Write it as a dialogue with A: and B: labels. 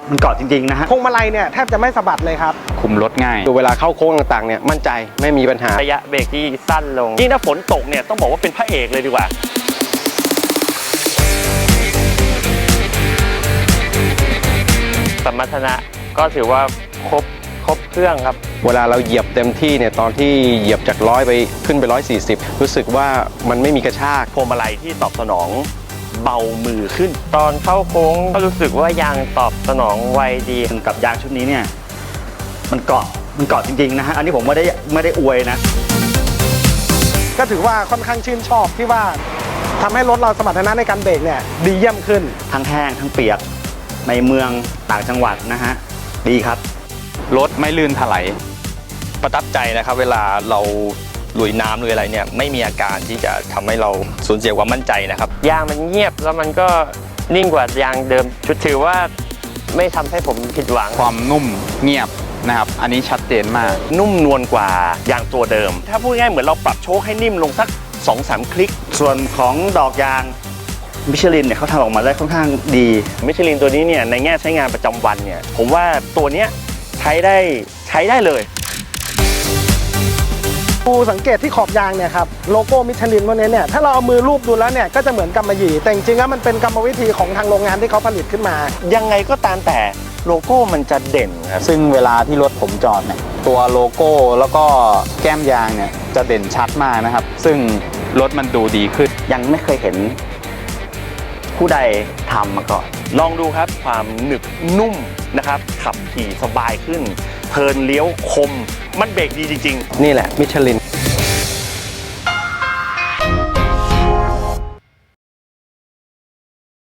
A: มันเกาะจริงๆนะฮะ
B: พวงมาลัยเนี่ยแทบจะไม่สะบัดเลยครับ
C: คุมรถง่าย
D: ดูเวลาเข้าโค้งต่างๆเนี่ยมั่นใจไม่มีปัญหา
E: ระยะเบรกที่สั้นลงยิ่งถ้าฝนตกเนี่ยต้องบอกว่าเป็นพระเอกเลยดีกว่าสมรรถนะก็ถือว่าครบเครื่องครับ
D: เวลาเราเหยียบเต็มที่เนี่ยตอนที่เหยียบจาก100ไปขึ้นไป140รู้สึกว่ามันไม่มีกระชาก
E: พวงมาลัยที่ตอบสนองเบามือขึ้นตอนเข้าโค้งก็รู้สึกว่ายางตอบสนองไวดี
A: กับยางชุดนี้เนี่ยมันเกาะจริงๆนะฮะอันนี้ผมไม่ได้อวยนะ
B: ก็ถือว่าค่อนข้างชื่นชอบที่ว่าทำให้รถเราสมรรถนะในการเบรกเนี่ยดีเยี่ยมขึ้น
A: ทั้งแห้งทั้งเปียกในเมืองต่างจังหวัดนะฮะดีครับ
C: รถไม่ลื่นถลาย
F: ประทับใจนะครับเวลาเราลุยน้ำลุยอะไรเนี่ยไม่มีอาการที่จะทำให้เราสูญเสียความมั่นใจนะครับ
E: ยางมันเงียบแล้วมันก็นิ่งกว่ายางเดิมชุดถือว่าไม่ทำให้ผมผิดหวัง
C: ความนุ่มเงียบนะครับอันนี้ชัดเจนมาก
E: นุ่มนวลกว่ายางตัวเดิมถ้าพูดง่ายเหมือนเราปรับโชคให้นิ่มลงสัก 2-3 คลิก
A: ส่วนของดอกยางมิชลินเนี่ยเขาทำออกมาได้ค่อนข้างดี
E: มิชลินตัวนี้เนี่ยในแง่ใช้งานประจำวันเนี่ยผมว่าตัวเนี้ยใช้ได้เลย
B: ดูสังเกตที่ขอบยางเนี่ยครับโลโก้มิชลินพวกนี้เนี่ยถ้าเราเอามือลูบดูแล้วเนี่ยก็จะเหมือนกำมะหยี่แต่จริงๆแล้วมันเป็นกรรมวิธีของทางโรงงานที่เขาผลิตขึ้นมา
E: ยังไงก็ตามแต่โลโก้มันจะเด่นครับ
C: ซึ่งเวลาที่รถผมจอดเนี่ยตัวโลโก้แล้วก็แก้มยางเนี่ยจะเด่นชัดมากนะครับซึ่งรถมันดูดีขึ้น
A: ยังไม่เคยเห็นผู้ใดทำมาก่อน
E: ลองดูครับความหนึบนุ่มนะครับขับขี่สบายขึ้นเทิร์นเลี้ยวคมมันเบรกดีจริง
D: ๆนี่แหละมิชลิน